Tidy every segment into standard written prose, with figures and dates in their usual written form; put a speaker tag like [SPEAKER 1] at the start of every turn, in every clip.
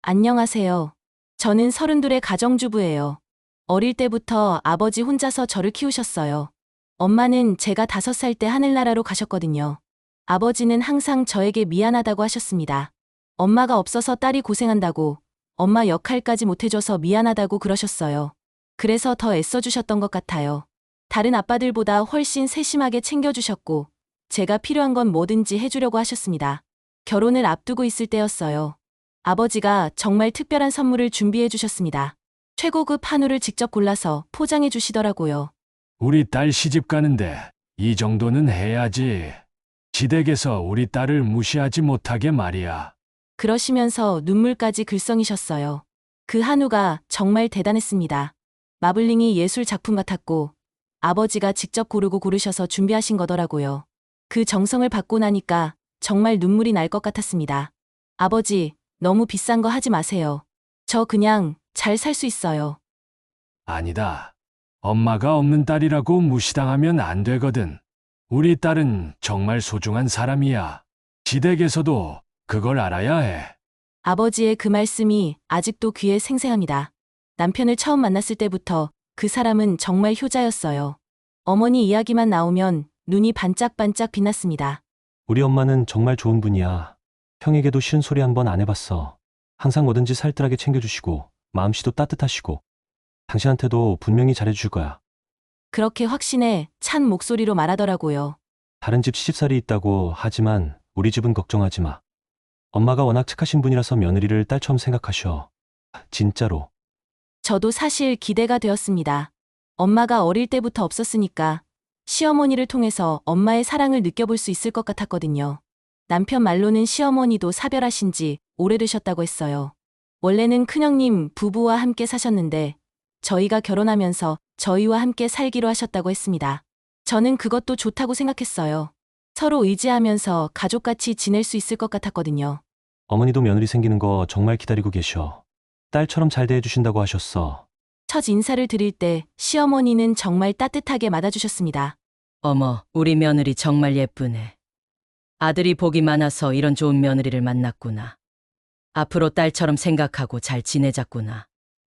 [SPEAKER 1] 안녕하세요. 저는 32의 가정주부예요. 어릴 때부터 아버지 혼자서 저를 키우셨어요. 엄마는 제가 5살 때 하늘나라로 가셨거든요. 아버지는 항상 저에게 미안하다고 하셨습니다. 엄마가 없어서 딸이 고생한다고, 엄마 역할까지 못해줘서 미안하다고 그러셨어요. 그래서 더 애써주셨던 것 같아요. 다른 아빠들보다 훨씬 세심하게 챙겨주셨고, 제가 필요한 건 뭐든지 해주려고 하셨습니다. 결혼을 앞두고 있을 때였어요. 아버지가 정말 특별한 선물을 준비해 주셨습니다. 최고급 한우를 직접 골라서 포장해 주시더라고요.
[SPEAKER 2] 우리 딸 시집 가는데 이 정도는 해야지. 시댁에서 우리 딸을 무시하지 못하게 말이야.
[SPEAKER 1] 그러시면서 눈물까지 글썽이셨어요. 그 한우가 정말 대단했습니다. 마블링이 예술 작품 같았고 아버지가 직접 고르셔서 준비하신 거더라고요. 그 정성을 받고 나니까 정말 눈물이 날 것 같았습니다. 아버지, 너무 비싼 거 하지 마세요. 저 그냥 잘 살 수 있어요.
[SPEAKER 2] 아니다. 엄마가 없는 딸이라고 무시당하면 안 되거든. 우리 딸은 정말 소중한 사람이야. 시댁에서도 그걸 알아야 해.
[SPEAKER 1] 아버지의 그 말씀이 아직도 귀에 생생합니다. 남편을 처음 만났을 때부터 그 사람은 정말 효자였어요. 어머니 이야기만 나오면 눈이 반짝반짝 빛났습니다.
[SPEAKER 3] 우리 엄마는 정말 좋은 분이야. 형에게도 싫은 소리 한 번 안 해봤어. 항상 뭐든지 살뜰하게 챙겨주시고 마음씨도 따뜻하시고 당신한테도 분명히 잘해주실 거야.
[SPEAKER 1] 그렇게 확신에 찬 목소리로 말하더라고요.
[SPEAKER 3] 다른 집 시집살이 있다고 하지만 우리 집은 걱정하지 마. 엄마가 워낙 착하신 분이라서 며느리를 딸처럼 생각하셔. 진짜로.
[SPEAKER 1] 저도 사실 기대가 되었습니다. 엄마가 어릴 때부터 없었으니까 시어머니를 통해서 엄마의 사랑을 느껴볼 수 있을 것 같았거든요. 남편 말로는 시어머니도 사별하신 지 오래되셨다고 했어요. 원래는 큰형님 부부와 함께 사셨는데 저희가 결혼하면서 저희와 함께 살기로 하셨다고 했습니다. 저는 그것도 좋다고 생각했어요. 서로 의지하면서 가족같이 지낼 수 있을 것 같았거든요.
[SPEAKER 3] 어머니도 며느리 생기는 거 정말 기다리고 계셔. 딸처럼 잘 대해주신다고 하셨어.
[SPEAKER 1] 첫 인사를 드릴 때 시어머니는 정말 따뜻하게 맞아주셨습니다.
[SPEAKER 4] 어머, 우리 며느리 정말 예쁘네. 아들이 복이 많아서 이런 좋은 며느리를 만났구나. 앞으로 딸처럼 생각하고 잘 지내자꾸나.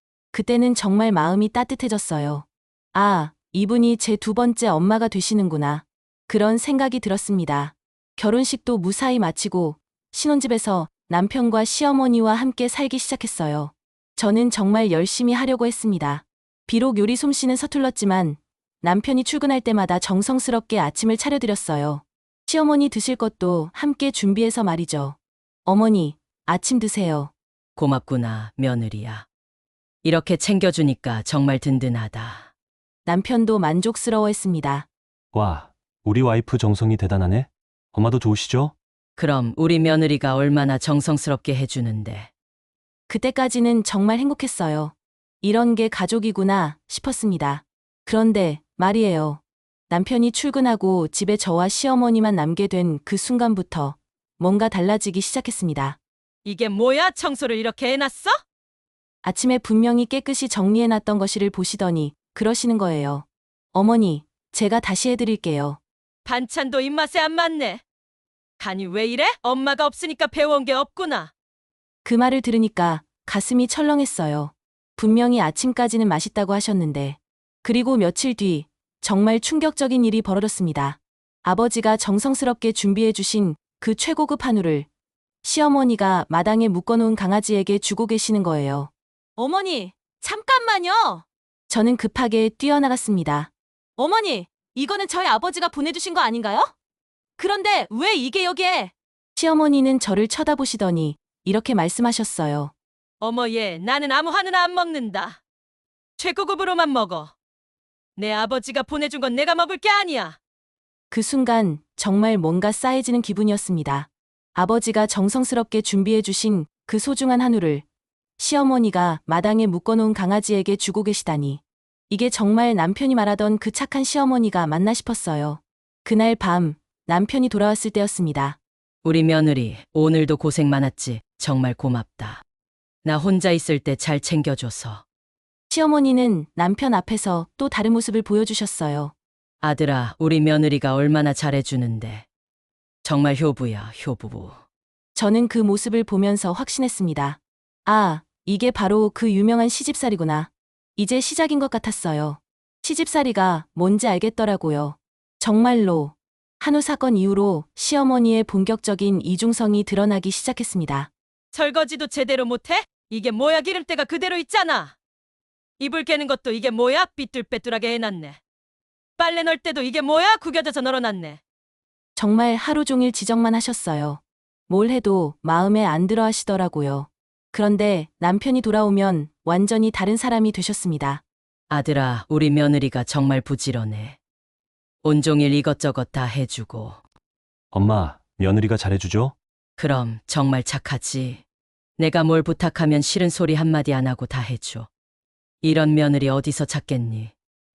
[SPEAKER 1] 그때는 정말 마음이 따뜻해졌어요. 아, 이분이 제 2번째 엄마가 되시는구나. 그런 생각이 들었습니다. 결혼식도 무사히 마치고 신혼집에서 남편과 시어머니와 함께 살기 시작했어요. 저는 정말 열심히 하려고 했습니다. 비록 요리 솜씨는 서툴렀지만 남편이 출근할 때마다 정성스럽게 아침을 차려드렸어요. 시어머니 드실 것도 함께 준비해서 말이죠. 어머니, 아침 드세요.
[SPEAKER 4] 고맙구나, 며느리야. 이렇게 챙겨주니까 정말 든든하다.
[SPEAKER 1] 남편도 만족스러워했습니다.
[SPEAKER 3] 와, 우리 와이프 정성이 대단하네. 엄마도 좋으시죠?
[SPEAKER 4] 그럼 우리 며느리가 얼마나 정성스럽게 해주는데.
[SPEAKER 1] 그때까지는 정말 행복했어요. 이런 게 가족이구나 싶었습니다. 그런데 말이에요. 남편이 출근하고 집에 저와 시어머니만 남게 된 그 순간부터 뭔가 달라지기 시작했습니다.
[SPEAKER 4] 이게 뭐야? 청소를 이렇게 해놨어?
[SPEAKER 1] 아침에 분명히 깨끗이 정리해놨던 거실을 보시더니 그러시는 거예요. 어머니, 제가 다시 해드릴게요.
[SPEAKER 4] 반찬도 입맛에 안 맞네. 간이 왜 이래? 엄마가 없으니까 배워온 게 없구나.
[SPEAKER 1] 그 말을 들으니까 가슴이 철렁했어요. 분명히 아침까지는 맛있다고 하셨는데. 그리고 며칠 뒤 정말 충격적인 일이 벌어졌습니다. 아버지가 정성스럽게 준비해 주신 그 최고급 한우를 시어머니가 마당에 묶어놓은 강아지에게 주고 계시는 거예요. 어머니, 잠깐만요. 저는 급하게 뛰어나갔습니다. 어머니, 이거는 저희 아버지가 보내주신 거 아닌가요? 그런데 왜 이게 여기에? 시어머니는 저를 쳐다보시더니 이렇게 말씀하셨어요.
[SPEAKER 4] 어머 얘, 나는 아무 한우나 안 먹는다. 최고급으로만 먹어. 내 아버지가 보내준 건 내가 먹을 게 아니야.
[SPEAKER 1] 그 순간 정말 뭔가 싸해지는 기분이었습니다. 아버지가 정성스럽게 준비해 주신 그 소중한 한우를 시어머니가 마당에 묶어놓은 강아지에게 주고 계시다니. 이게 정말 남편이 말하던 그 착한 시어머니가 맞나 싶었어요. 그날 밤 남편이 돌아왔을 때였습니다.
[SPEAKER 4] 우리 며느리, 오늘도 고생 많았지. 정말 고맙다. 나 혼자 있을 때 잘 챙겨줘서.
[SPEAKER 1] 시어머니는 남편 앞에서 또 다른 모습을 보여주셨어요.
[SPEAKER 4] 아들아, 우리 며느리가 얼마나 잘해주는데. 정말 효부야, 효부.
[SPEAKER 1] 저는 그 모습을 보면서 확신했습니다. 아, 이게 바로 그 유명한 시집살이구나. 이제 시작인 것 같았어요. 시집살이가 뭔지 알겠더라고요. 정말로. 한우 사건 이후로 시어머니의 본격적인 이중성이 드러나기 시작했습니다.
[SPEAKER 4] 설거지도 제대로 못해? 이게 뭐야, 기름때가 그대로 있잖아. 이불 깨는 것도 이게 뭐야, 삐뚤빼뚤하게 해놨네. 빨래 넣을 때도 이게 뭐야, 구겨져서 널어놨네.
[SPEAKER 1] 정말 하루 종일 지적만 하셨어요. 뭘 해도 마음에 안 들어 하시더라고요. 그런데 남편이 돌아오면 완전히 다른 사람이 되셨습니다.
[SPEAKER 4] 아들아, 우리 며느리가 정말 부지런해. 온종일 이것저것 다 해주고.
[SPEAKER 3] 엄마, 며느리가 잘해주죠?
[SPEAKER 4] 그럼 정말 착하지. 내가 뭘 부탁하면 싫은 소리 한마디 안 하고 다 해줘. 이런 며느리 어디서 찾겠니?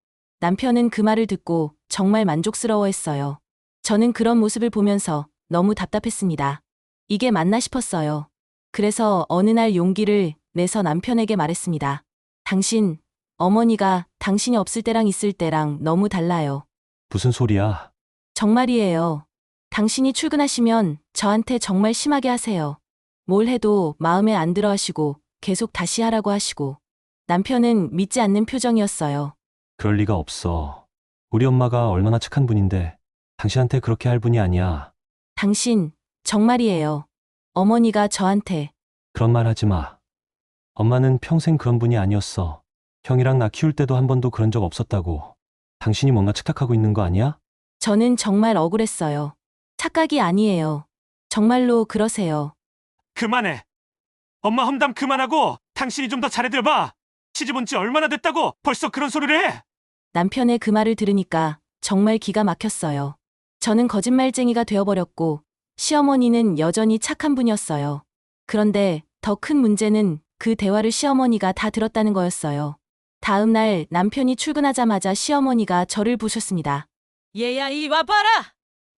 [SPEAKER 1] 남편은 그 말을 듣고 정말 만족스러워했어요. 저는 그런 모습을 보면서 너무 답답했습니다. 이게 맞나 싶었어요. 그래서 어느 날 용기를 내서 남편에게 말했습니다. 당신, 어머니가 당신이 없을 때랑 있을 때랑 너무 달라요.
[SPEAKER 3] 무슨 소리야?
[SPEAKER 1] 정말이에요. 당신이 출근하시면 저한테 정말 심하게 하세요. 뭘 해도 마음에 안 들어 하시고 계속 다시 하라고 하시고. 남편은 믿지 않는 표정이었어요.
[SPEAKER 3] 그럴 리가 없어. 우리 엄마가 얼마나 착한 분인데 당신한테 그렇게 할 분이 아니야.
[SPEAKER 1] 당신, 정말이에요. 어머니가 저한테.
[SPEAKER 3] 그런 말 하지 마. 엄마는 평생 그런 분이 아니었어. 형이랑 나 키울 때도 한 번도 그런 적 없었다고. 당신이 뭔가 착각하고 있는 거 아니야?
[SPEAKER 1] 저는 정말 억울했어요. 착각이 아니에요. 정말로 그러세요.
[SPEAKER 5] 그만해. 엄마 험담 그만하고 당신이 좀 더 잘해들봐. 시집 온 지 얼마나 됐다고 벌써 그런 소리를 해.
[SPEAKER 1] 남편의 그 말을 들으니까 정말 기가 막혔어요. 저는 거짓말쟁이가 되어버렸고 시어머니는 여전히 착한 분이었어요. 그런데 더 큰 문제는 그 대화를 시어머니가 다 들었다는 거였어요. 다음 날 남편이 출근하자마자 시어머니가 저를 부셨습니다.
[SPEAKER 4] 얘야, 이리 와봐라.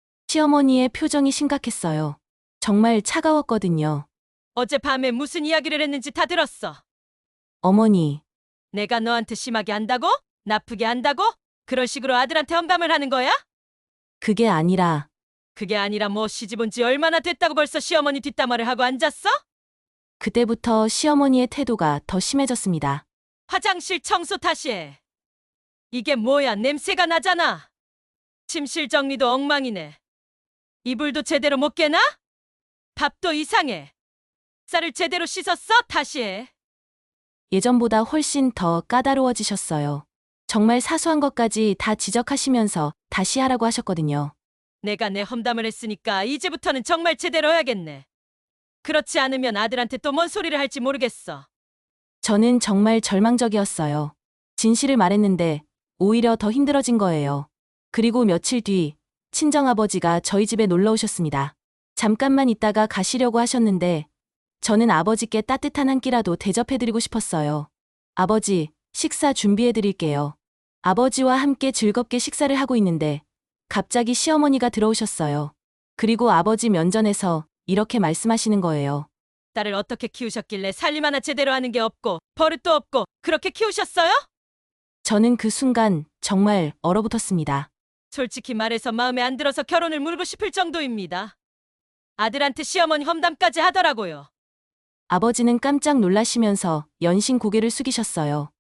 [SPEAKER 1] 시어머니의 표정이 심각했어요. 정말 차가웠거든요.
[SPEAKER 4] 어젯밤에 무슨 이야기를 했는지 다 들었어.
[SPEAKER 1] 어머니,
[SPEAKER 4] 내가 너한테 심하게 한다고? 나쁘게 한다고? 그런 식으로 아들한테 험담을 하는 거야?
[SPEAKER 1] 그게 아니라
[SPEAKER 4] 그게 아니라 뭐 시집 온 지 얼마나 됐다고 벌써 시어머니 뒷담화를 하고 앉았어?
[SPEAKER 1] 그때부터 시어머니의 태도가 더 심해졌습니다.
[SPEAKER 4] 화장실 청소 다시 해. 이게 뭐야, 냄새가 나잖아. 침실 정리도 엉망이네. 이불도 제대로 못 깨나? 밥도 이상해. 쌀을 제대로 씻었어? 다시 해.
[SPEAKER 1] 예전보다 훨씬 더 까다로워지셨어요. 정말 사소한 것까지 다 지적하시면서 다시 하라고 하셨거든요.
[SPEAKER 4] 내가 내 험담을 했으니까 이제부터는 정말 제대로 해야겠네. 그렇지 않으면 아들한테 또 뭔 소리를 할지 모르겠어.
[SPEAKER 1] 저는 정말 절망적이었어요. 진실을 말했는데 오히려 더 힘들어진 거예요. 그리고 며칠 뒤 친정아버지가 저희 집에 놀러 오셨습니다. 잠깐만 있다가 가시려고 하셨는데 저는 아버지께 따뜻한 한 끼라도 대접해드리고 싶었어요. 아버지, 식사 준비해드릴게요. 아버지와 함께 즐겁게 식사를 하고 있는데 갑자기 시어머니가 들어오셨어요. 그리고 아버지 면전에서 이렇게 말씀하시는 거예요.
[SPEAKER 4] 딸을 어떻게 키우셨길래 살림 하나 제대로 하는 게 없고 버릇도 없고 그렇게 키우셨어요?
[SPEAKER 1] 저는 그 순간 정말 얼어붙었습니다.
[SPEAKER 4] 솔직히 말해서 마음에 안 들어서 결혼을 물고 싶을 정도입니다. 아들한테 시어머니 험담까지 하더라고요.
[SPEAKER 1] 아버지는 깜짝 놀라시면서 연신 고개를 숙이셨어요.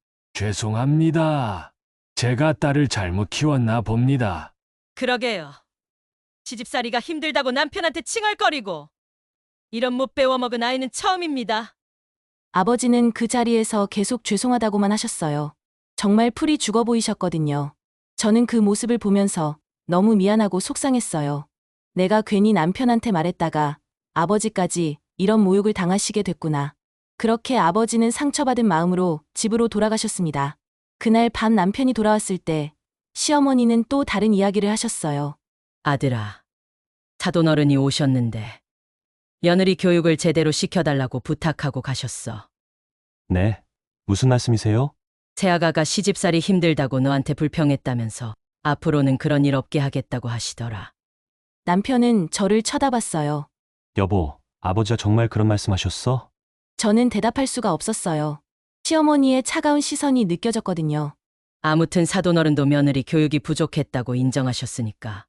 [SPEAKER 2] 죄송합니다. 제가 딸을 잘못 키웠나 봅니다.
[SPEAKER 4] 그러게요. 시집살이가 힘들다고 남편한테 칭얼거리고 이런 못 배워먹은 아이는 처음입니다.
[SPEAKER 1] 아버지는 그 자리에서 계속 죄송하다고만 하셨어요. 정말 풀이 죽어 보이셨거든요. 저는 그 모습을 보면서 너무 미안하고 속상했어요. 내가 괜히 남편한테 말했다가 아버지까지 이런 모욕을 당하시게 됐구나. 그렇게 아버지는 상처받은 마음으로 집으로 돌아가셨습니다. 그날 밤 남편이 돌아왔을 때 시어머니는 또 다른 이야기를 하셨어요.
[SPEAKER 4] 아들아, 사돈어른이 오셨는데 며느리 교육을 제대로 시켜달라고 부탁하고 가셨어.
[SPEAKER 3] 네. 무슨 말씀이세요?
[SPEAKER 4] 새아가가 시집살이 힘들다고 너한테 불평했다면서 앞으로는 그런 일 없게 하겠다고 하시더라.
[SPEAKER 1] 남편은 저를 쳐다봤어요.
[SPEAKER 3] 여보, 아버지가 정말 그런 말씀하셨어?
[SPEAKER 1] 저는 대답할 수가 없었어요. 시어머니의 차가운 시선이 느껴졌거든요.
[SPEAKER 4] 아무튼 사돈어른도 며느리 교육이 부족했다고 인정하셨으니까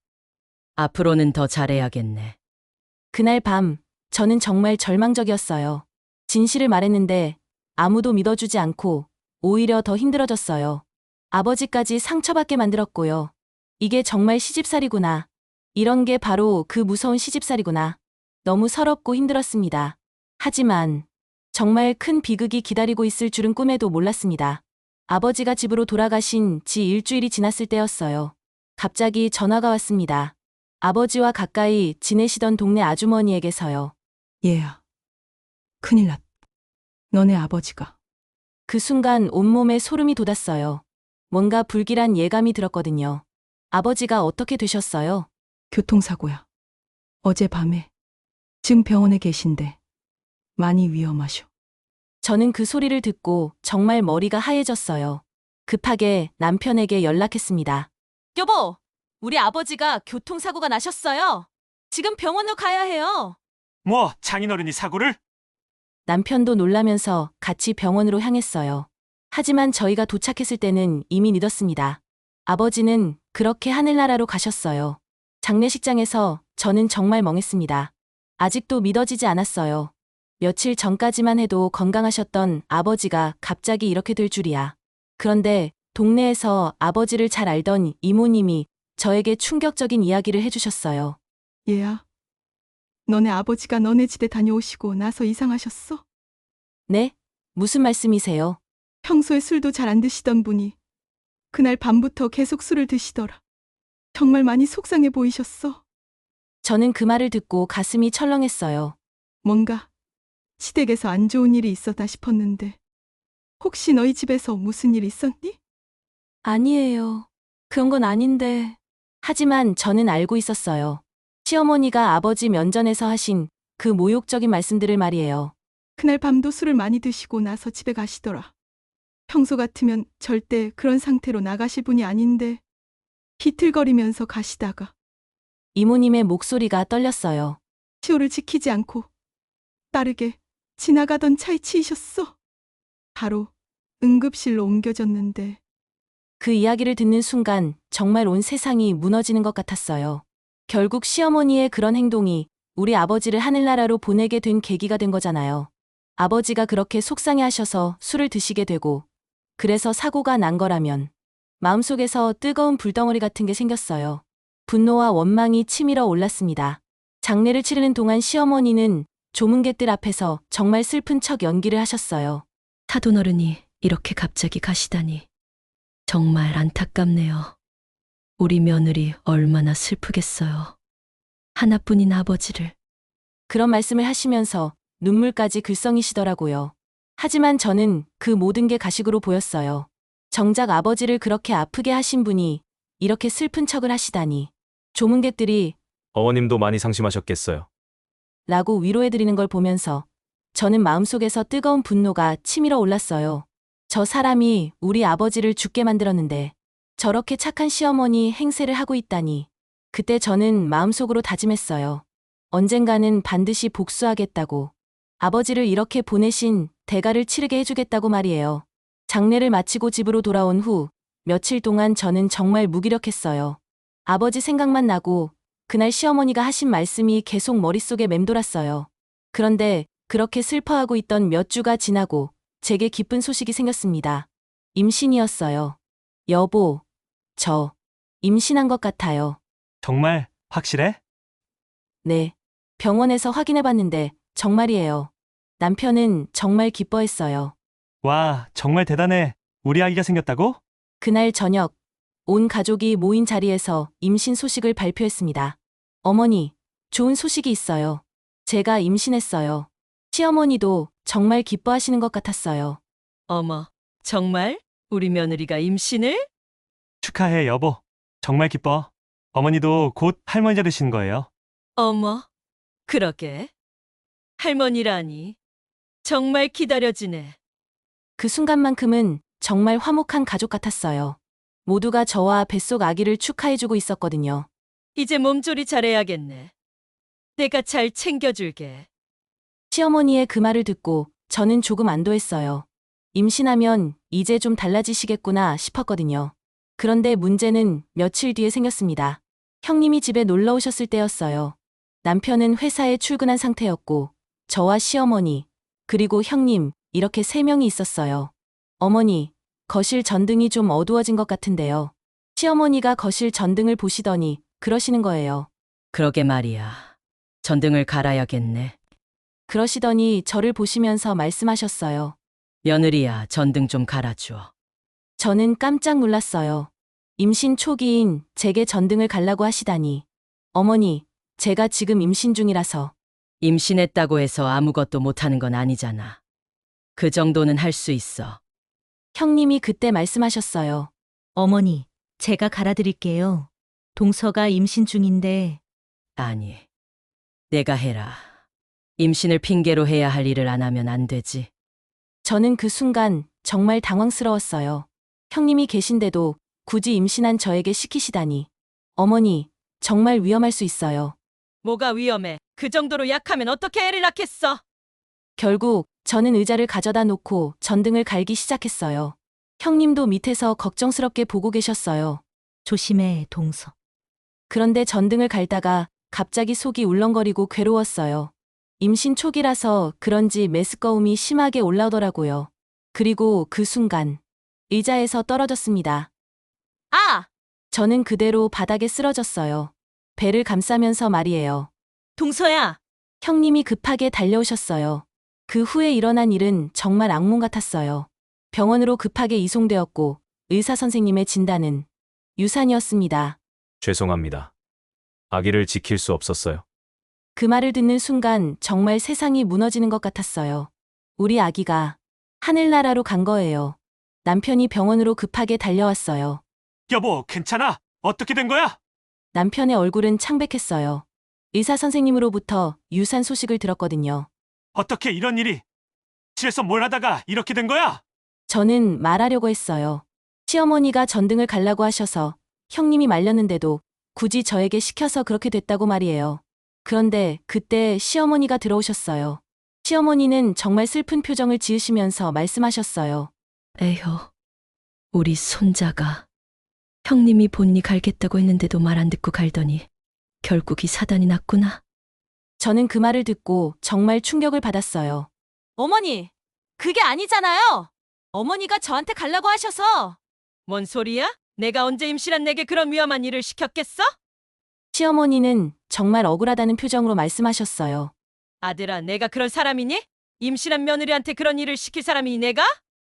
[SPEAKER 4] 앞으로는 더 잘해야겠네.
[SPEAKER 1] 그날 밤 저는 정말 절망적이었어요. 진실을 말했는데 아무도 믿어주지 않고 오히려 더 힘들어졌어요. 아버지까지 상처받게 만들었고요. 이게 정말 시집살이구나. 이런 게 바로 그 무서운 시집살이구나. 너무 서럽고 힘들었습니다. 하지만 정말 큰 비극이 기다리고 있을 줄은 꿈에도 몰랐습니다. 아버지가 집으로 돌아가신 지 일주일이 지났을 때였어요. 갑자기 전화가 왔습니다. 아버지와 가까이 지내시던 동네 아주머니에게서요.
[SPEAKER 6] 얘야. 큰일 났다. 너네 아버지가.
[SPEAKER 1] 그 순간 온몸에 소름이 돋았어요. 뭔가 불길한 예감이 들었거든요. 아버지가 어떻게 되셨어요?
[SPEAKER 6] 교통사고야. 어젯밤에. 지금 병원에 계신데. 많이 위험하셔.
[SPEAKER 1] 저는 그 소리를 듣고 정말 머리가 하얘졌어요. 급하게 남편에게 연락했습니다. 여보, 우리 아버지가 교통사고가 나셨어요. 지금 병원으로 가야 해요.
[SPEAKER 5] 뭐 장인어른이 사고를?
[SPEAKER 1] 남편도 놀라면서 같이 병원으로 향했어요. 하지만 저희가 도착했을 때는 이미 늦었습니다. 아버지는 그렇게 하늘나라로 가셨어요. 장례식장에서 저는 정말 멍했습니다. 아직도 믿어지지 않았어요. 며칠 전까지만 해도 건강하셨던 아버지가 갑자기 이렇게 될 줄이야. 그런데 동네에서 아버지를 잘 알던 이모님이 저에게 충격적인 이야기를 해주셨어요.
[SPEAKER 6] 얘야. 너네 아버지가 너네 집에 다녀오시고 나서 이상하셨어?
[SPEAKER 1] 네? 무슨 말씀이세요?
[SPEAKER 6] 평소에 술도 잘 안 드시던 분이 그날 밤부터 계속 술을 드시더라. 정말 많이 속상해 보이셨어.
[SPEAKER 1] 저는 그 말을 듣고 가슴이 철렁했어요.
[SPEAKER 6] 뭔가 시댁에서 안 좋은 일이 있었나 싶었는데 혹시 너희 집에서 무슨 일 있었니?
[SPEAKER 1] 아니에요. 그런 건 아닌데. 하지만 저는 알고 있었어요. 시어머니가 아버지 면전에서 하신 그 모욕적인 말씀들을 말이에요.
[SPEAKER 6] 그날 밤도 술을 많이 드시고 나서 집에 가시더라. 평소 같으면 절대 그런 상태로 나가실 분이 아닌데 비틀거리면서 가시다가
[SPEAKER 1] 이모님의 목소리가 떨렸어요.
[SPEAKER 6] 시호를 지키지 않고 빠르게 지나가던 차에 치이셨어. 바로 응급실로 옮겨졌는데
[SPEAKER 1] 그 이야기를 듣는 순간 정말 온 세상이 무너지는 것 같았어요. 결국 시어머니의 그런 행동이 우리 아버지를 하늘나라로 보내게 된 계기가 된 거잖아요. 아버지가 그렇게 속상해 하셔서 술을 드시게 되고 그래서 사고가 난 거라면 마음속에서 뜨거운 불덩어리 같은 게 생겼어요. 분노와 원망이 치밀어 올랐습니다. 장례를 치르는 동안 시어머니는 조문객들 앞에서 정말 슬픈 척 연기를 하셨어요.
[SPEAKER 7] 사돈어른이 이렇게 갑자기 가시다니 정말 안타깝네요. 우리 며느리 얼마나 슬프겠어요. 하나뿐인 아버지를.
[SPEAKER 1] 그런 말씀을 하시면서 눈물까지 글썽이시더라고요. 하지만 저는 그 모든 게 가식으로 보였어요. 정작 아버지를 그렇게 아프게 하신 분이 이렇게 슬픈 척을 하시다니. 조문객들이
[SPEAKER 8] 어머님도 많이 상심하셨겠어요.
[SPEAKER 1] 라고 위로해드리는 걸 보면서 저는 마음속에서 뜨거운 분노가 치밀어 올랐어요. 저 사람이 우리 아버지를 죽게 만들었는데 저렇게 착한 시어머니 행세를 하고 있다니. 그때 저는 마음속으로 다짐했어요. 언젠가는 반드시 복수하겠다고. 아버지를 이렇게 보내신 대가를 치르게 해주겠다고 말이에요. 장례를 마치고 집으로 돌아온 후 며칠 동안 저는 정말 무기력했어요. 아버지 생각만 나고 그날 시어머니가 하신 말씀이 계속 머릿속에 맴돌았어요. 그런데 그렇게 슬퍼하고 있던 몇 주가 지나고 제게 기쁜 소식이 생겼습니다. 임신이었어요. 여보, 저 임신한 것 같아요.
[SPEAKER 3] 정말 확실해?
[SPEAKER 1] 네. 병원에서 확인해봤는데 정말이에요. 남편은 정말 기뻐했어요.
[SPEAKER 3] 와, 정말 대단해. 우리 아기가 생겼다고?
[SPEAKER 1] 그날 저녁, 온 가족이 모인 자리에서 임신 소식을 발표했습니다. 어머니, 좋은 소식이 있어요. 제가 임신했어요. 시어머니도 정말 기뻐하시는 것 같았어요.
[SPEAKER 4] 어머, 정말? 우리 며느리가 임신을?
[SPEAKER 3] 축하해, 여보. 정말 기뻐. 어머니도 곧 할머니가 되시는 거예요.
[SPEAKER 4] 어머, 그러게. 할머니라니. 정말 기다려지네.
[SPEAKER 1] 그 순간만큼은 정말 화목한 가족 같았어요. 모두가 저와 뱃속 아기를 축하해주고 있었거든요.
[SPEAKER 4] 이제 몸조리 잘해야겠네. 내가 잘 챙겨줄게.
[SPEAKER 1] 시어머니의 그 말을 듣고 저는 조금 안도했어요. 임신하면 이제 좀 달라지시겠구나 싶었거든요. 그런데 문제는 며칠 뒤에 생겼습니다. 형님이 집에 놀러 오셨을 때였어요. 남편은 회사에 출근한 상태였고 저와 시어머니 그리고 형님, 이렇게 세 명이 있었어요. 어머니, 거실 전등이 좀 어두워진 것 같은데요. 시어머니가 거실 전등을 보시더니 그러시는 거예요.
[SPEAKER 4] 그러게 말이야. 전등을 갈아야겠네.
[SPEAKER 1] 그러시더니 저를 보시면서 말씀하셨어요.
[SPEAKER 4] 며느리야, 전등 좀 갈아줘.
[SPEAKER 1] 저는 깜짝 놀랐어요. 임신 초기인 제게 전등을 갈라고 하시다니. 어머니, 제가 지금 임신 중이라서.
[SPEAKER 4] 임신했다고 해서 아무것도 못하는 건 아니잖아. 그 정도는 할 수 있어.
[SPEAKER 1] 형님이 그때 말씀하셨어요.
[SPEAKER 9] 어머니, 제가 갈아드릴게요. 동서가 임신 중인데
[SPEAKER 4] 아니, 내가 해라. 임신을 핑계로 해야 할 일을 안 하면 안 되지.
[SPEAKER 1] 저는 그 순간 정말 당황스러웠어요. 형님이 계신데도 굳이 임신한 저에게 시키시다니. 어머니, 정말 위험할 수 있어요.
[SPEAKER 4] 뭐가 위험해? 그 정도로 약하면 어떻게 애를 낳겠어?
[SPEAKER 1] 결국 저는 의자를 가져다 놓고 전등을 갈기 시작했어요. 형님도 밑에서 걱정스럽게 보고 계셨어요.
[SPEAKER 9] 조심해, 동서.
[SPEAKER 1] 그런데 전등을 갈다가 갑자기 속이 울렁거리고 괴로웠어요. 임신 초기라서 그런지 메스꺼움이 심하게 올라오더라고요. 그리고 그 순간 의자에서 떨어졌습니다. 아! 저는 그대로 바닥에 쓰러졌어요. 배를 감싸면서 말이에요.
[SPEAKER 9] 동서야!
[SPEAKER 1] 형님이 급하게 달려오셨어요. 그 후에 일어난 일은 정말 악몽 같았어요. 병원으로 급하게 이송되었고 의사 선생님의 진단은 유산이었습니다.
[SPEAKER 8] 죄송합니다. 아기를 지킬 수 없었어요.
[SPEAKER 1] 그 말을 듣는 순간 정말 세상이 무너지는 것 같았어요. 우리 아기가 하늘나라로 간 거예요. 남편이 병원으로 급하게 달려왔어요.
[SPEAKER 5] 여보, 괜찮아? 어떻게 된 거야?
[SPEAKER 1] 남편의 얼굴은 창백했어요. 의사 선생님으로부터 유산 소식을 들었거든요.
[SPEAKER 5] 어떻게 이런 일이? 집에서 뭘 하다가 이렇게 된 거야?
[SPEAKER 1] 저는 말하려고 했어요. 시어머니가 전등을 갈라고 하셔서 형님이 말렸는데도 굳이 저에게 시켜서 그렇게 됐다고 말이에요. 그런데 그때 시어머니가 들어오셨어요. 시어머니는 정말 슬픈 표정을 지으시면서 말씀하셨어요.
[SPEAKER 7] 에휴, 우리 손자가 형님이 본니 갈겠다고 했는데도 말 안 듣고 갈더니 결국 이 사단이 났구나.
[SPEAKER 1] 저는 그 말을 듣고 정말 충격을 받았어요. 어머니, 그게 아니잖아요. 어머니가 저한테 갈라고 하셔서.
[SPEAKER 4] 뭔 소리야? 내가 언제 임신한 내게 그런 위험한 일을 시켰겠어?
[SPEAKER 1] 시어머니는 정말 억울하다는 표정으로 말씀하셨어요.
[SPEAKER 4] 아들아, 내가 그런 사람이니? 임신한 며느리한테 그런 일을 시킬 사람이니 내가?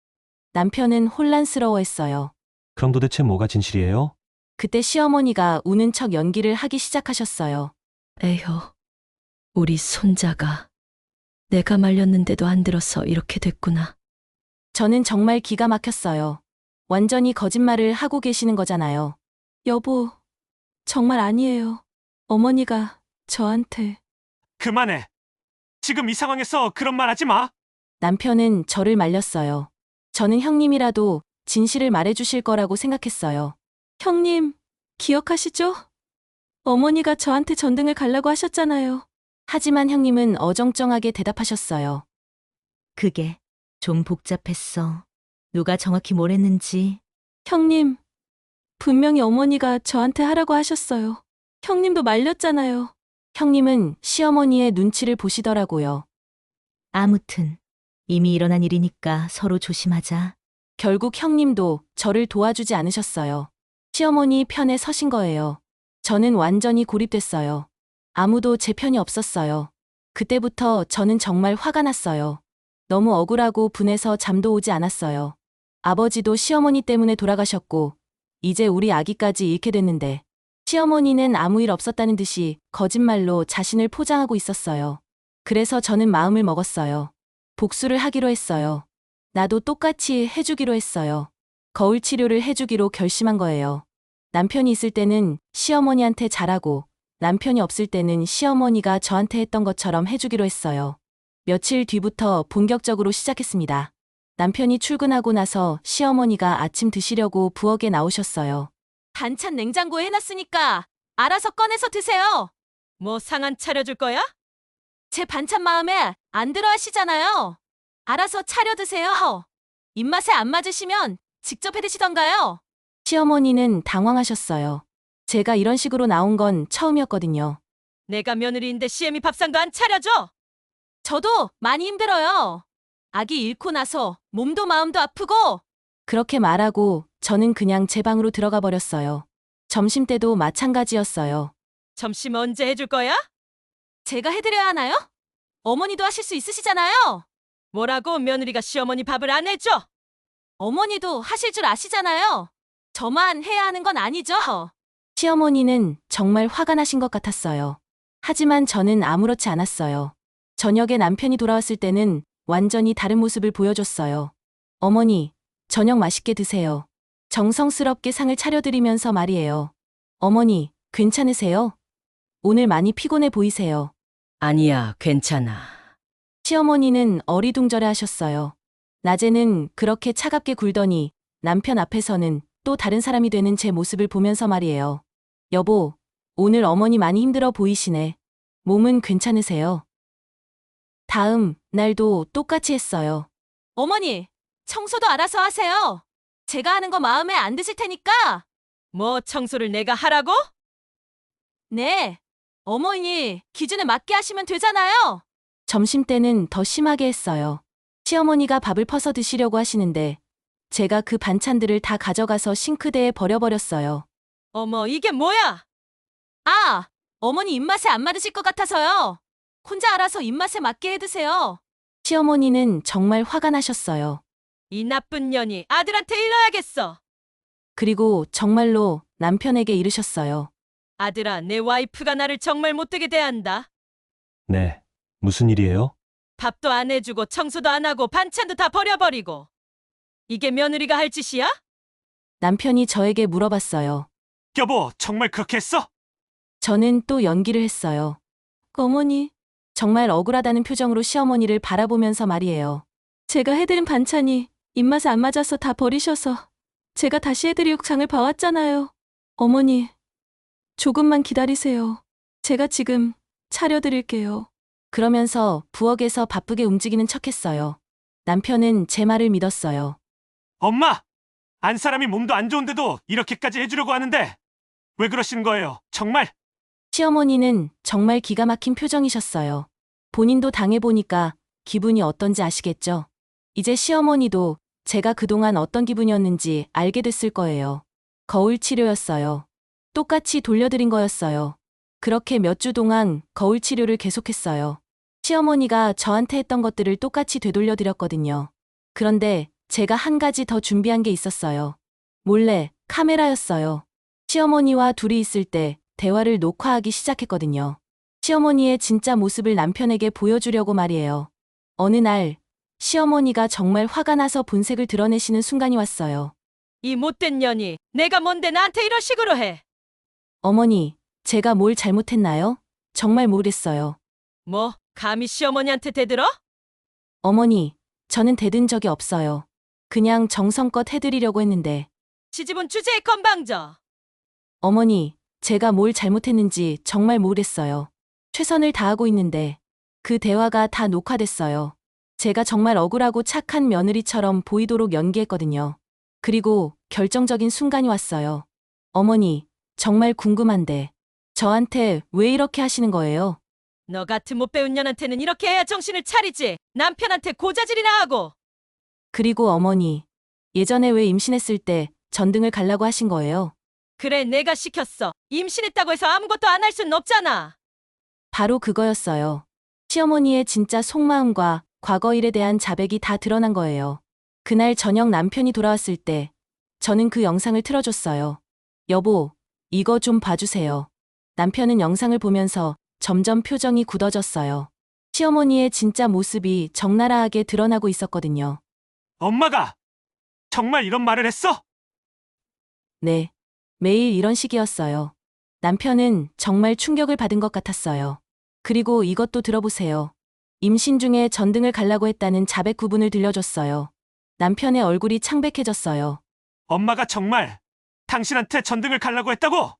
[SPEAKER 1] 남편은 혼란스러워했어요.
[SPEAKER 3] 그럼 도대체 뭐가 진실이에요?
[SPEAKER 1] 그때 시어머니가 우는 척 연기를 하기 시작하셨어요.
[SPEAKER 7] 에휴, 우리 손자가 내가 말렸는데도 안 들어서 이렇게 됐구나.
[SPEAKER 1] 저는 정말 기가 막혔어요. 완전히 거짓말을 하고 계시는 거잖아요. 여보, 정말 아니에요. 어머니가 저한테.
[SPEAKER 5] 그만해. 지금 이 상황에서 그런 말 하지 마.
[SPEAKER 1] 남편은 저를 말렸어요. 저는 형님이라도 진실을 말해주실 거라고 생각했어요. 형님, 기억하시죠? 어머니가 저한테 전등을 갈라고 하셨잖아요. 하지만 형님은 어정쩡하게 대답하셨어요.
[SPEAKER 9] 그게 좀 복잡했어. 누가 정확히 뭘 했는지.
[SPEAKER 1] 형님, 분명히 어머니가 저한테 하라고 하셨어요. 형님도 말렸잖아요. 형님은 시어머니의 눈치를 보시더라고요.
[SPEAKER 9] 아무튼 이미 일어난 일이니까 서로 조심하자.
[SPEAKER 1] 결국 형님도 저를 도와주지 않으셨어요. 시어머니 편에 서신 거예요. 저는 완전히 고립됐어요. 아무도 제 편이 없었어요. 그때부터 저는 정말 화가 났어요. 너무 억울하고 분해서 잠도 오지 않았어요. 아버지도 시어머니 때문에 돌아가셨고, 이제 우리 아기까지 잃게 됐는데, 시어머니는 아무 일 없었다는 듯이 거짓말로 자신을 포장하고 있었어요. 그래서 저는 마음을 먹었어요. 복수를 하기로 했어요. 나도 똑같이 해주기로 했어요. 거울 치료를 해주기로 결심한 거예요. 남편이 있을 때는 시어머니한테 잘하고, 남편이 없을 때는 시어머니가 저한테 했던 것처럼 해주기로 했어요. 며칠 뒤부터 본격적으로 시작했습니다. 남편이 출근하고 나서 시어머니가 아침 드시려고 부엌에 나오셨어요. 반찬 냉장고에 해놨으니까 알아서 꺼내서 드세요.
[SPEAKER 4] 뭐 상한 차려줄 거야?
[SPEAKER 1] 제 반찬 마음에 안 들어 하시잖아요. 알아서 차려 드세요. 입맛에 안 맞으시면 직접 해 드시던가요. 시어머니는 당황하셨어요. 제가 이런 식으로 나온 건 처음이었거든요.
[SPEAKER 4] 내가 며느리인데 시엠이 밥상도 안 차려줘?
[SPEAKER 1] 저도 많이 힘들어요. 아기 잃고 나서 몸도 마음도 아프고. 그렇게 말하고 저는 그냥 제 방으로 들어가 버렸어요. 점심 때도 마찬가지였어요.
[SPEAKER 4] 점심 언제 해줄 거야?
[SPEAKER 1] 제가 해드려야 하나요? 어머니도 하실 수 있으시잖아요.
[SPEAKER 4] 뭐라고 며느리가 시어머니 밥을 안 해줘?
[SPEAKER 1] 어머니도 하실 줄 아시잖아요. 저만 해야 하는 건 아니죠. 시어머니는 정말 화가 나신 것 같았어요. 하지만 저는 아무렇지 않았어요. 저녁에 남편이 돌아왔을 때는 완전히 다른 모습을 보여줬어요. 어머니, 저녁 맛있게 드세요. 정성스럽게 상을 차려드리면서 말이에요. 어머니, 괜찮으세요? 오늘 많이 피곤해 보이세요.
[SPEAKER 7] 아니야, 괜찮아.
[SPEAKER 1] 시어머니는 어리둥절해 하셨어요. 낮에는 그렇게 차갑게 굴더니 남편 앞에서는 또 다른 사람이 되는 제 모습을 보면서 말이에요. 여보, 오늘 어머니 많이 힘들어 보이시네. 몸은 괜찮으세요? 다음 날도 똑같이 했어요. 어머니, 청소도 알아서 하세요. 제가 하는 거 마음에 안 드실 테니까.
[SPEAKER 4] 뭐 청소를 내가 하라고?
[SPEAKER 1] 네. 어머니, 기준에 맞게 하시면 되잖아요. 점심 때는 더 심하게 했어요. 시어머니가 밥을 퍼서 드시려고 하시는데 제가 그 반찬들을 다 가져가서 싱크대에 버려버렸어요.
[SPEAKER 4] 어머, 이게 뭐야?
[SPEAKER 1] 아, 어머니 입맛에 안 맞으실 것 같아서요. 혼자 알아서 입맛에 맞게 해드세요. 시어머니는 정말 화가 나셨어요.
[SPEAKER 4] 이 나쁜 년이 아들한테 일러야겠어.
[SPEAKER 1] 그리고 정말로 남편에게 이르셨어요.
[SPEAKER 4] 아들아, 내 와이프가 나를 정말 못되게 대한다.
[SPEAKER 3] 네. 무슨 일이에요?
[SPEAKER 4] 밥도 안 해주고 청소도 안 하고 반찬도 다 버려버리고. 이게 며느리가 할 짓이야?
[SPEAKER 1] 남편이 저에게 물어봤어요.
[SPEAKER 5] 여보, 정말 그렇게 했어?
[SPEAKER 1] 저는 또 연기를 했어요. 어머니, 정말 억울하다는 표정으로 시어머니를 바라보면서 말이에요. 제가 해드린 반찬이 입맛에 안 맞아서 다 버리셔서 제가 다시 해드리고 장을 봐왔잖아요. 어머니, 조금만 기다리세요. 제가 지금 차려드릴게요. 그러면서 부엌에서 바쁘게 움직이는 척했어요. 남편은 제 말을 믿었어요.
[SPEAKER 5] 엄마! 안 사람이 몸도 안 좋은데도 이렇게까지 해주려고 하는데 왜 그러시는 거예요? 정말?
[SPEAKER 1] 시어머니는 정말 기가 막힌 표정이셨어요. 본인도 당해보니까 기분이 어떤지 아시겠죠? 이제 시어머니도 제가 그동안 어떤 기분이었는지 알게 됐을 거예요. 거울 치료였어요. 똑같이 돌려드린 거였어요. 그렇게 몇 주 동안 거울 치료를 계속했어요. 시어머니가 저한테 했던 것들을 똑같이 되돌려드렸거든요. 그런데 제가 한 가지 더 준비한 게 있었어요. 몰래 카메라였어요. 시어머니와 둘이 있을 때 대화를 녹화하기 시작했거든요. 시어머니의 진짜 모습을 남편에게 보여주려고 말이에요. 어느 날 시어머니가 정말 화가 나서 본색을 드러내시는 순간이 왔어요.
[SPEAKER 4] 이 못된 년이 내가 뭔데 나한테 이런 식으로 해?
[SPEAKER 1] 어머니, 제가 뭘 잘못했나요? 정말 모르겠어요.
[SPEAKER 4] 뭐, 감히 시어머니한테 대들어?
[SPEAKER 1] 어머니, 저는 대든 적이 없어요. 그냥 정성껏 해드리려고 했는데.
[SPEAKER 4] 시집은 주제에 건방져.
[SPEAKER 1] 어머니, 제가 뭘 잘못했는지 정말 모르겠어요. 최선을 다하고 있는데 그 대화가 다 녹화됐어요. 제가 정말 억울하고 착한 며느리처럼 보이도록 연기했거든요. 그리고 결정적인 순간이 왔어요. 어머니, 정말 궁금한데 저한테 왜 이렇게 하시는 거예요?
[SPEAKER 4] 너 같은 못 배운 년한테는 이렇게 해야 정신을 차리지. 남편한테 고자질이나 하고.
[SPEAKER 1] 그리고 어머니, 예전에 왜 임신했을 때 전등을 갈라고 하신 거예요?
[SPEAKER 4] 그래, 내가 시켰어. 임신했다고 해서 아무것도 안 할 순 없잖아.
[SPEAKER 1] 바로 그거였어요. 시어머니의 진짜 속마음과 과거 일에 대한 자백이 다 드러난 거예요. 그날 저녁 남편이 돌아왔을 때 저는 그 영상을 틀어줬어요. 여보, 이거 좀 봐주세요. 남편은 영상을 보면서 점점 표정이 굳어졌어요. 시어머니의 진짜 모습이 적나라하게 드러나고 있었거든요.
[SPEAKER 5] 엄마가 정말 이런 말을 했어?
[SPEAKER 1] 네. 매일 이런 식이었어요. 남편은 정말 충격을 받은 것 같았어요. 그리고 이것도 들어보세요. 임신 중에 전등을 갈라고 했다는 자백 구분을 들려줬어요. 남편의 얼굴이 창백해졌어요.
[SPEAKER 5] 엄마가 정말 당신한테 전등을 갈라고 했다고?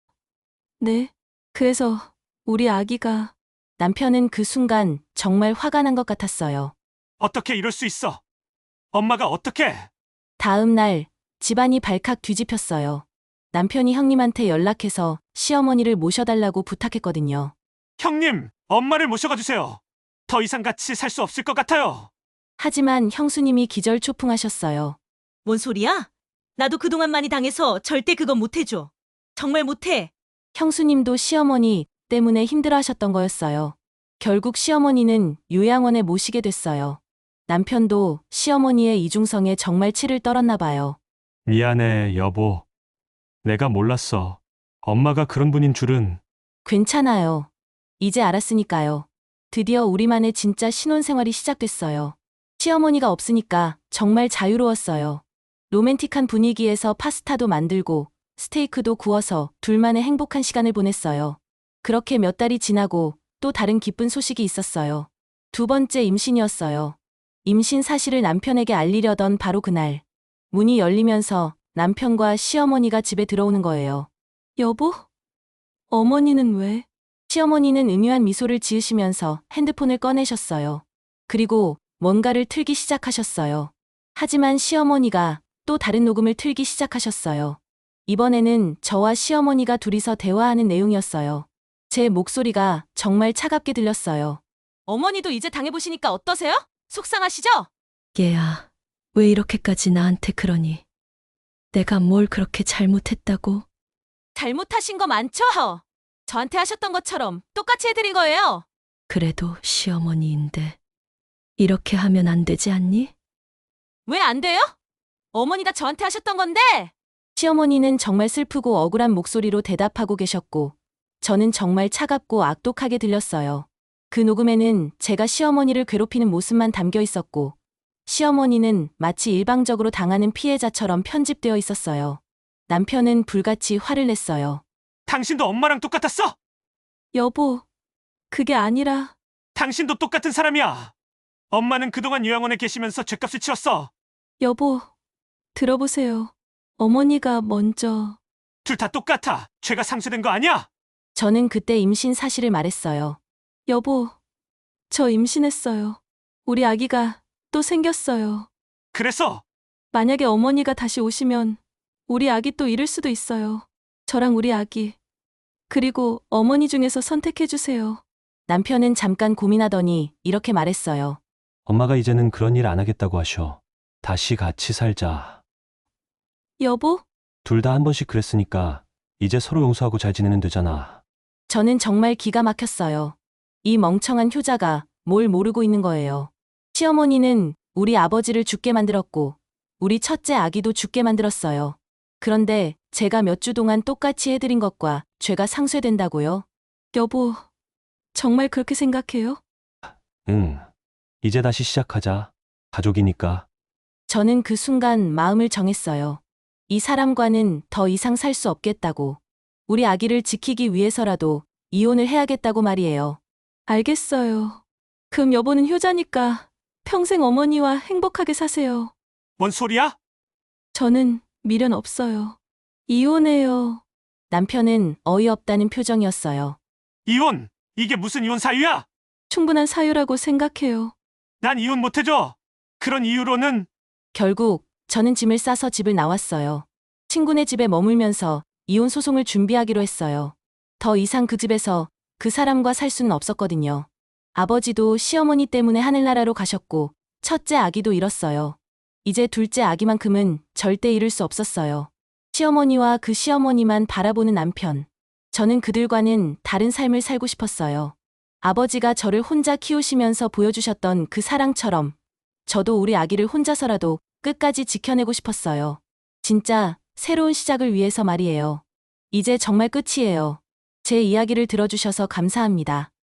[SPEAKER 1] 네. 그래서 우리 아기가... 남편은 그 순간 정말 화가 난 것 같았어요.
[SPEAKER 5] 어떻게 이럴 수 있어? 엄마가 어떻게?
[SPEAKER 1] 다음 날 집안이 발칵 뒤집혔어요. 남편이 형님한테 연락해서 시어머니를 모셔달라고 부탁했거든요.
[SPEAKER 5] 형님, 엄마를 모셔가 주세요. 더 이상 같이 살 수 없을 것 같아요.
[SPEAKER 1] 하지만 형수님이 기절초풍하셨어요.
[SPEAKER 9] 뭔 소리야? 나도 그동안 많이 당해서 절대 그건 못해줘. 정말 못해.
[SPEAKER 1] 형수님도 시어머니 때문에 힘들어하셨던 거였어요. 결국 시어머니는 요양원에 모시게 됐어요. 남편도 시어머니의 이중성에 정말 치를 떨었나 봐요.
[SPEAKER 3] 미안해, 여보. 내가 몰랐어. 엄마가 그런 분인 줄은.
[SPEAKER 1] 괜찮아요. 이제 알았으니까요. 드디어 우리만의 진짜 신혼생활이 시작됐어요. 시어머니가 없으니까 정말 자유로웠어요. 로맨틱한 분위기에서 파스타도 만들고 스테이크도 구워서 둘만의 행복한 시간을 보냈어요. 그렇게 몇 달이 지나고 또 다른 기쁜 소식이 있었어요. 두 번째 임신이었어요. 임신 사실을 남편에게 알리려던 바로 그날. 문이 열리면서 남편과 시어머니가 집에 들어오는 거예요. 여보? 어머니는 왜? 시어머니는 음유한 미소를 지으시면서 핸드폰을 꺼내셨어요. 그리고 뭔가를 틀기 시작하셨어요. 하지만 시어머니가 또 다른 녹음을 틀기 시작하셨어요. 이번에는 저와 시어머니가 둘이서 대화하는 내용이었어요. 제 목소리가 정말 차갑게 들렸어요. 어머니도 이제 당해보시니까 어떠세요? 속상하시죠?
[SPEAKER 7] 얘야, 왜 이렇게까지 나한테 그러니? 내가 뭘 그렇게 잘못했다고?
[SPEAKER 1] 잘못하신 거 많죠? 저한테 하셨던 것처럼 똑같이 해드린 거예요.
[SPEAKER 7] 그래도 시어머니인데 이렇게 하면 안 되지 않니?
[SPEAKER 1] 왜 안 돼요? 어머니가 저한테 하셨던 건데! 시어머니는 정말 슬프고 억울한 목소리로 대답하고 계셨고, 저는 정말 차갑고 악독하게 들렸어요. 그 녹음에는 제가 시어머니를 괴롭히는 모습만 담겨 있었고, 시어머니는 마치 일방적으로 당하는 피해자처럼 편집되어 있었어요. 남편은 불같이 화를 냈어요.
[SPEAKER 5] 당신도 엄마랑 똑같았어?
[SPEAKER 1] 여보, 그게 아니라...
[SPEAKER 5] 당신도 똑같은 사람이야. 엄마는 그동안 요양원에 계시면서 죗값을 치렀어.
[SPEAKER 1] 여보, 들어보세요. 어머니가 먼저...
[SPEAKER 5] 둘 다 똑같아. 죄가 상쇄된 거 아니야?
[SPEAKER 1] 저는 그때 임신 사실을 말했어요. 여보, 저 임신했어요. 우리 아기가 또 생겼어요.
[SPEAKER 5] 그래서
[SPEAKER 1] 만약에 어머니가 다시 오시면 우리 아기 또 잃을 수도 있어요. 저랑 우리 아기. 그리고 어머니 중에서 선택해주세요. 남편은 잠깐 고민하더니 이렇게 말했어요.
[SPEAKER 3] 엄마가 이제는 그런 일 안 하겠다고 하셔. 다시 같이 살자.
[SPEAKER 1] 여보?
[SPEAKER 3] 둘 다 한 번씩 그랬으니까 이제 서로 용서하고 잘 지내면 되잖아.
[SPEAKER 1] 저는 정말 기가 막혔어요. 이 멍청한 효자가 뭘 모르고 있는 거예요. 시어머니는 우리 아버지를 죽게 만들었고 우리 첫째 아기도 죽게 만들었어요. 그런데 제가 몇 주 동안 똑같이 해드린 것과 죄가 상쇄된다고요? 여보, 정말 그렇게 생각해요?
[SPEAKER 3] 응. 이제 다시 시작하자. 가족이니까.
[SPEAKER 1] 저는 그 순간 마음을 정했어요. 이 사람과는 더 이상 살 수 없겠다고. 우리 아기를 지키기 위해서라도 이혼을 해야겠다고 말이에요. 알겠어요. 그럼 여보는 효자니까 평생 어머니와 행복하게 사세요.
[SPEAKER 5] 뭔 소리야?
[SPEAKER 1] 저는 미련 없어요. 이혼해요. 남편은 어이없다는 표정이었어요.
[SPEAKER 5] 이혼! 이게 무슨 이혼 사유야?
[SPEAKER 1] 충분한 사유라고 생각해요.
[SPEAKER 5] 난 이혼 못 해줘. 그런 이유로는
[SPEAKER 1] 결국 저는 짐을 싸서 집을 나왔어요. 친구네 집에 머물면서 이혼 소송을 준비하기로 했어요. 더 이상 그 집에서 그 사람과 살 수는 없었거든요. 아버지도 시어머니 때문에 하늘나라로 가셨고 첫째 아기도 잃었어요. 이제 둘째 아기만큼은 절대 잃을 수 없었어요. 시어머니와 그 시어머니만 바라보는 남편. 저는 그들과는 다른 삶을 살고 싶었어요. 아버지가 저를 혼자 키우시면서 보여주셨던 그 사랑처럼 저도 우리 아기를 혼자서라도 끝까지 지켜내고 싶었어요. 진짜 새로운 시작을 위해서 말이에요. 이제 정말 끝이에요. 제 이야기를 들어주셔서 감사합니다.